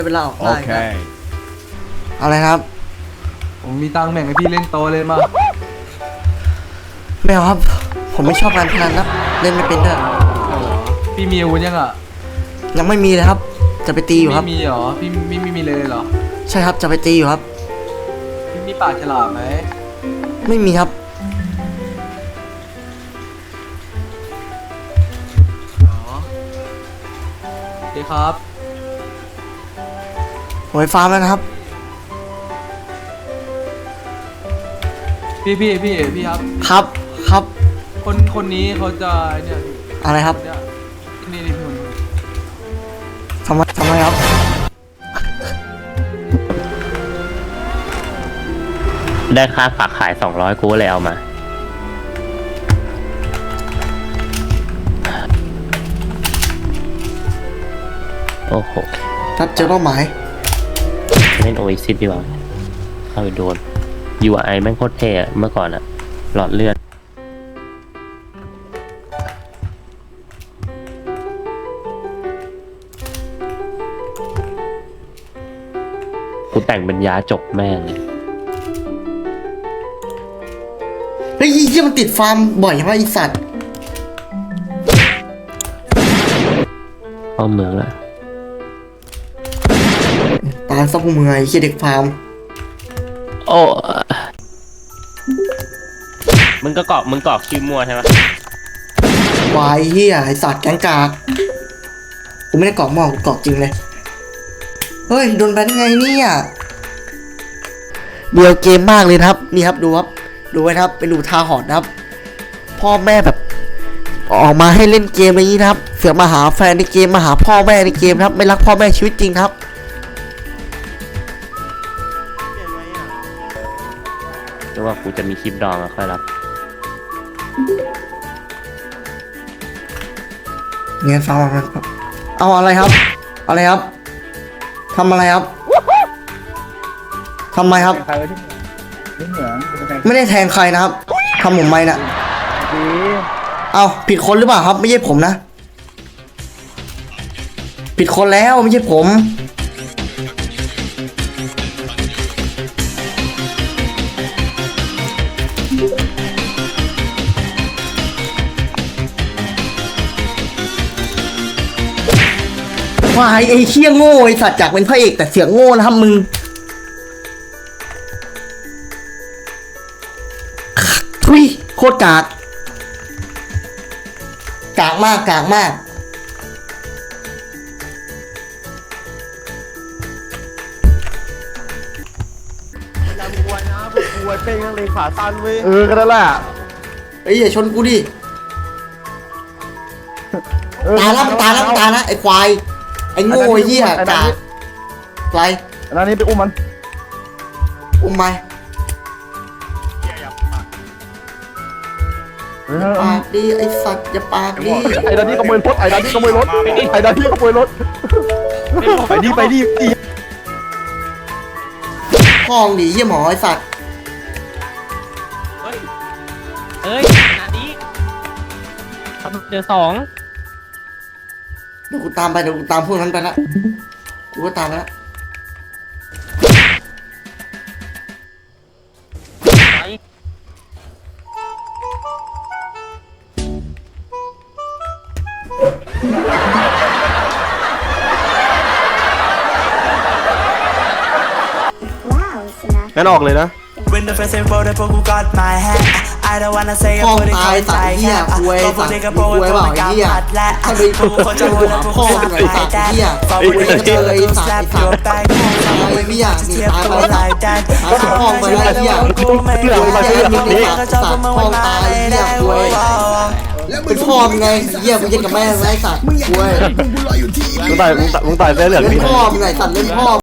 เวลาออกได้ครับ Okay. อะไรครับผมมีตังค์แบ่งให้พี่เล่นโตเลยมาไม่เอาครับ ผมไม่ชอบการพนันครับเล่นไม่เป็นด้วยพี่มีอาวุธยังอ่ะยังไม่มีเลยครับ จะไปตีอยู่ครับไม่มีเหรอพี่ไม่มีเลยเหรอใช่ครับจะไปตีอยู่ครับพี่มีปากฉลามไหมไม่มีครับอ๋อโอเคครับหวยฟาร์มแล้วนะครับพี่ครับครับครับคนนี้เขาจะเนี่ยอะไรครับเนี่ยนี่พี่คนนี้ทำไมครับได้ค่าฝากขาย200กูเลยเอามาโอ้โหครับเจอเป้าหมายเล่นโอเอซิสดีกว่าเข้าไปโดน UI แม่งโคตรเท่อะเมื่อก่อนอะหลอดเลือดกูแต่งเป็นยาจกแม่งเลยเฮ้ยยี่มันติดฟาร์มบ่อยมากไอสัตว์เข้าเมืองละตามซับมือไอ้เหี้ยเด็กฟาร์มโอ้มึงกรอกชื่อมั่วใช่ไหมวายเหี้ยไอสัตว์แกงกากกูไม่ได้กรอกหม้อกูกรอกจริงเลยเฮ้ยโดนแบนได้ไงเนี่ยเบียวเกมมากเลยนะครับนี่ครับดูครับดูไว้นะครับเป็นดูทาหอนนะครับ พ่อแม่แบบออกมาให้เล่นเกมอะไรนี้นะครับเสือกมาหาแฟนในเกมมาหาพ่อแม่ในเกมนะครับไม่รักพ่อแม่ชีวิตจริงครับหรือว่ากูจะมีคลิปดองอะค่อยรับเงี้ยฟังมาครับเอาอะไรครับอะไรครับทำอะไรครับทำไมครับไม่ได้แทงใครนะครับทำผมไหมน่ะเอาผิดคนหรือเปล่าครับไม่ใช่ผมนะผิดคนแล้วไม่ใช่ผมวายไอ้เชี่ยโง่ไอ้สัตว์จากเป็นพระเอกแต่เสียงโง่นะครับมึงทุยโคตรกากกากมากกากมากก็ได้แหละไอ้ยอย่าชนกูดิตายแล้วมันตายแล้วมันตายแล้วไอ้ควายไอ้โง่ไอ้เหี้ยกากไรอันนั้นนี่ไปอุ้มมันอุ้มไปปากดีไอ้สัตว์อย่าปากดีไอ้ดันนี่ขโมยรถไอ้ดันนี่ขโมยรถไอ้ดันนี่ขโมยรถไปดิพ่อมึงดิเหี้ยหมอไอ้สัตว์เอ้ยขนาดนี้เจอ2 เดี๋ยวกูตามไปเดี๋ยวกูตามพวกนั้นไปละกูก็ตามไปละงั้นออกเลยนะ When the first info that you got my head I don't wanna say พ่อ I มึ put ง it ตาย on สัตว์ my เหี้ย head กูไอ้ก็สัพูตดว์ได้ก็มึโปรง ยกูไอ้ตัวเปล่าไม่ไอ้กำเหี้ยผัดและถ้าไปกูคนจะพูดแล้วพวกพ่อกูมึงไปไอ้สัตว์ได้เหี้ยบอกว่าเด็กเจอไอ้สัตว์ไอ้ไอ้สัสัตตว์ว์ slap your back ไอ้เหี้ยหนีตายไปกูละ like that พ่อมึงไอ้เหี้ยกูไม่เหี้ยไอ้เหี้ยมึงไอ้สัตว์สัตว์พ่อมึงตายเหี้ยกูไอ้เป็นพ่อมึงไงเหี้ยมึงเย็นกับแม่มึงไอ้สัตว์กูไอ้มึงตายเสื้อเหลืองเล่นนี่พ่อมึงไงสัตว์เล่นพ่อ